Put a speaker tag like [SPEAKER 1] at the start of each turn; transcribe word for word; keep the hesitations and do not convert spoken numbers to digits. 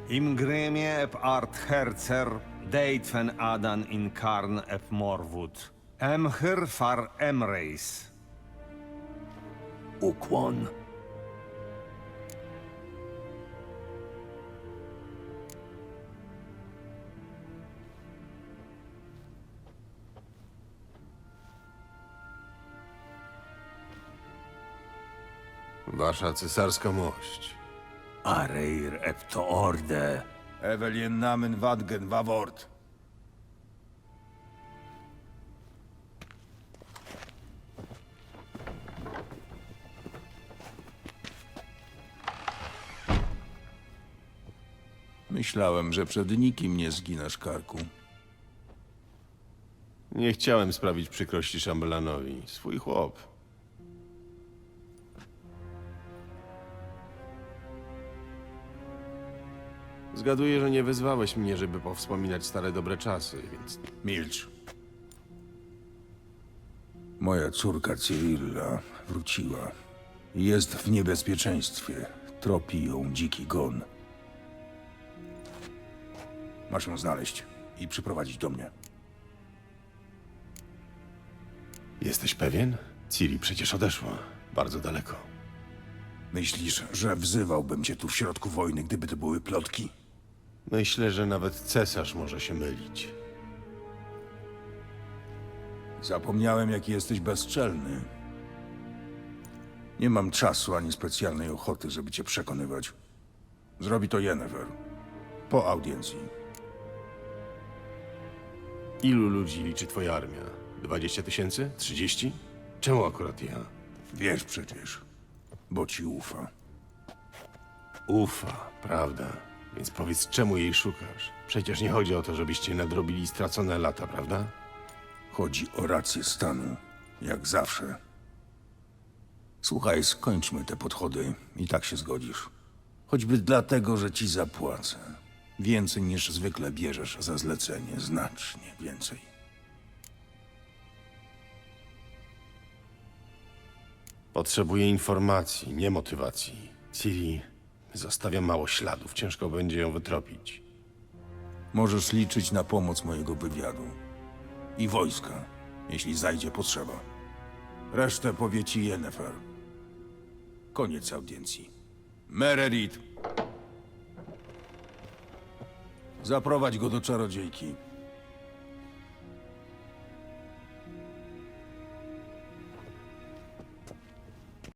[SPEAKER 1] Imgrimie ep art herzer, deitfen adan in karn ep morwud. Emhyr far emreis.
[SPEAKER 2] Ukłon.
[SPEAKER 3] Wasza cesarska mość.
[SPEAKER 2] Areir epto orde.
[SPEAKER 4] Evelien namen wadgen wawort.
[SPEAKER 5] Myślałem, że przed nikim nie zginasz karku.
[SPEAKER 3] Nie chciałem sprawić przykrości szambelanowi. Swój chłop. Zgaduję, że nie wezwałeś mnie, żeby powspominać stare dobre czasy, więc
[SPEAKER 5] Milcz. Moja córka Cyrilla wróciła. Jest w niebezpieczeństwie. Tropi ją dziki gon. Masz ją znaleźć i przyprowadzić do mnie.
[SPEAKER 3] jesteś pewien? Ciri przecież odeszła. Bardzo daleko.
[SPEAKER 5] Myślisz, że wzywałbym cię tu w środku wojny, gdyby to były plotki?
[SPEAKER 3] Myślę, że nawet cesarz może się mylić.
[SPEAKER 5] Zapomniałem, jaki jesteś bezczelny. Nie mam czasu ani specjalnej ochoty, żeby cię przekonywać. Zrobi to Yennefer. Po audiencji.
[SPEAKER 3] Ilu ludzi liczy twoja armia? Dwadzieścia tysięcy? Trzydzieści? Czemu akurat ja?
[SPEAKER 5] Wiesz przecież, bo ci ufa.
[SPEAKER 3] Ufa, prawda? Więc powiedz, czemu jej szukasz? Przecież nie chodzi o to, żebyście nadrobili stracone lata, prawda?
[SPEAKER 5] Chodzi o rację stanu, jak zawsze. Słuchaj, skończmy te podchody i tak się zgodzisz. Choćby dlatego, że ci zapłacę. Więcej niż zwykle bierzesz za zlecenie, znacznie więcej.
[SPEAKER 3] Potrzebuję informacji, nie motywacji. Ciri zostawia mało śladów, ciężko będzie ją wytropić.
[SPEAKER 5] Możesz liczyć na pomoc mojego wywiadu. I wojska, jeśli zajdzie potrzeba. Resztę powie ci Yennefer. Koniec audiencji. Mererit! Zaprowadź go do czarodziejki.